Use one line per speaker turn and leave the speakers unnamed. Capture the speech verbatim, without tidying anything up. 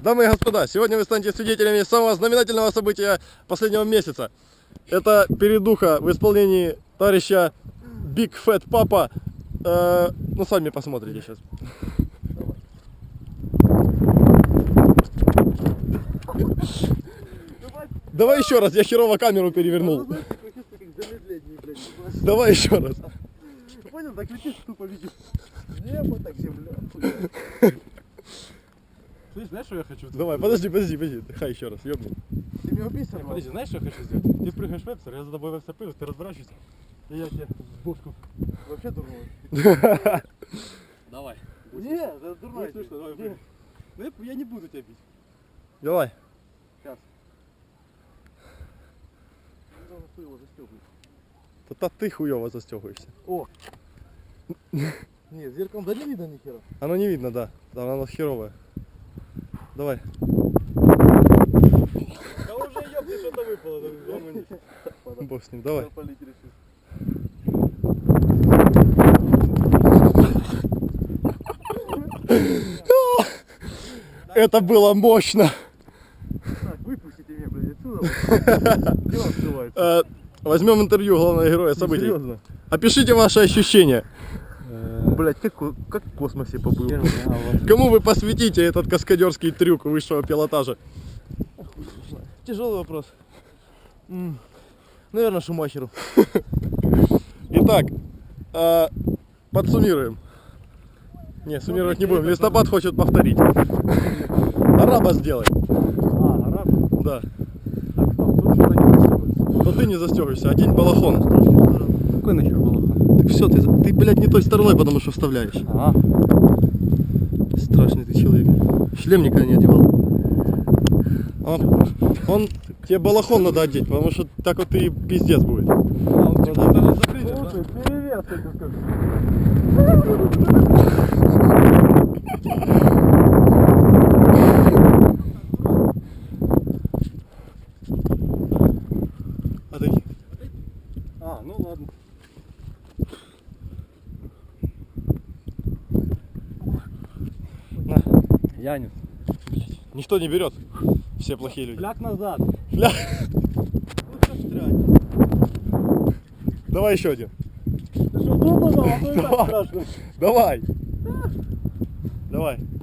Дамы и господа, сегодня вы станете свидетелями самого знаменательного события последнего месяца. Это передуха в исполнении товарища Big Fat Papa. Э, ну, сами посмотрите сейчас. Давай еще раз, я херово камеру перевернул. Давай еще раз.
Понял, так летишь тупо видишь. Небо, так земля.
Слышь, знаешь, что я хочу?
Давай, подожди, подожди, подожди. Хай еще раз, ёбну.
Ты меня убийца,
Не, подожди, знаешь, что я хочу сделать? Ты прыгаешь в вебстер, я за тобой в вебстер прыгаю, ты разворачиваешься, и я тебе в бошку.
вообще дурной.
Давай.
Не, это дурной.
Будет смешно, давай прыгай. Ну, я, я не буду тебя бить.
Давай.
Сейчас. Ты его застегиваешь.
Да ты хуёво застегиваешься.
О! Не, зеркалом да не видно ни хера.
Оно не видно, да. Да, оно херовое. Давай.
Да уже ёбни, что-то выпало.
Бог с ним, давай.
Полить решил.
Это было мощно.
Так, выпустите меня, блядь, отсюда. Где он скрывается?
Э, Возьмем интервью главного героя событий.
Серьезно?
Опишите ваши ощущения.
Блядь, как, как в космосе побыл.
Кому вы посвятите этот каскадерский трюк высшего пилотажа?
Тяжелый вопрос. М, Наверное, Шумахеру.
Итак, э, подсуммируем. Не, суммировать не будем. Листопад хочет повторить. Араба сделай.
А, араб?
Да.
Так, стоп, тут что-то не застегивается.
Но ты не застегиваешься. Одень балахон.
Какой нахер балахон?
Так все, ты, ты, блядь, не той стороной, потому что вставляешь.
Ага.
Страшный ты человек. Шлем никогда не одевал. Он, он тебе балахон надо одеть, потому что так вот и пиздец будет.
А, он типа даже закрыть, да?
Слушай, перевес, я тебе скажу.
Отойди.
А, ну ладно.
На.
Янец.
Никто не берет. Все плохие люди.
Фляг назад.
Фля. Давай еще один.
Ты что, думал, а то и так
Давай.
страшно.
Давай. Давай.